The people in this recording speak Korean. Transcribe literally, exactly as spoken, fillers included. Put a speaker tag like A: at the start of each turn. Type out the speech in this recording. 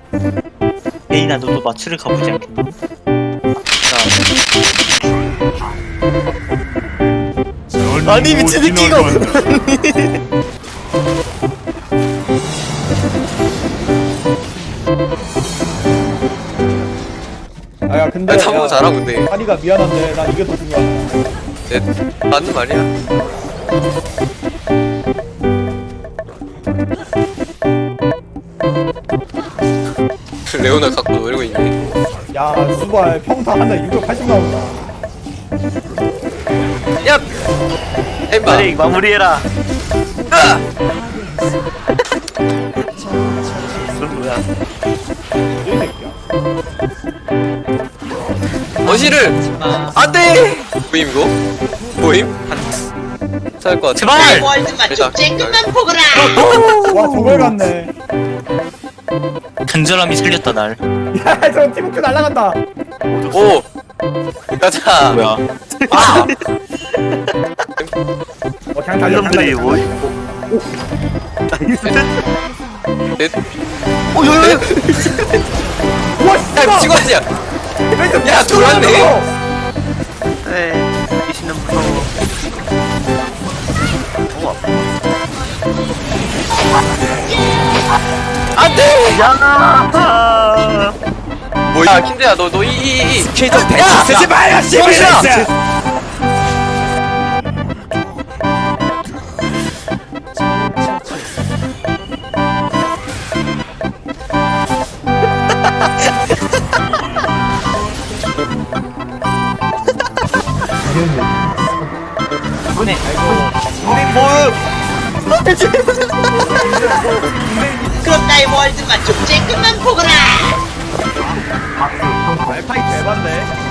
A: 에이나 너도 마취를 가보지 않겠니? 자,
B: 아니 미친 새끼가.
C: 아야 근데
B: 아니 탐구
C: 야,
B: 잘하고 근데
C: 한이가 미안한데 난 이게 더 중요하다.
B: 네, 맞는 말이야. 레오나 갖고 놀고 있네.
C: 야 수발 평타 하나 육백팔십 나온다.
B: 야! 엠바!
A: 빨리 마무리해라.
B: 으아!
A: 그건 뭐야?
C: 이 새끼야.
B: 어시를! 안 돼! 보임, 이거? 보임? 살것 같아.
A: 제발!
D: 월드만 좀 쬐끔만 보거라.
C: 와 저걸 갔네.
A: 간절함이 살렸다 날.
C: 야저 팀워크 날라간다.
B: 오! 가자!
A: 뭐야?
B: 아!
C: 어 그냥 달려 그냥
A: 이놈들이
C: 달려.
A: 뭐?
B: 넷.
A: 오, 야, 야, 야.
C: 와
B: 야,
C: 씨발.
B: 미친 거 아니야! 야, 돌았네!
A: 네, 귀신은 무서워. 우와.
B: 안 돼!
A: 야!
B: 뭐야, 킨드야, 너, 너, 이, 이, 이.
C: 스케이터 대치 쓰지 마요
B: 정신아!
A: 이번에
D: 그럼 나의 월드만 좀 쬐끔만 보거라.
C: 알파이 개반데.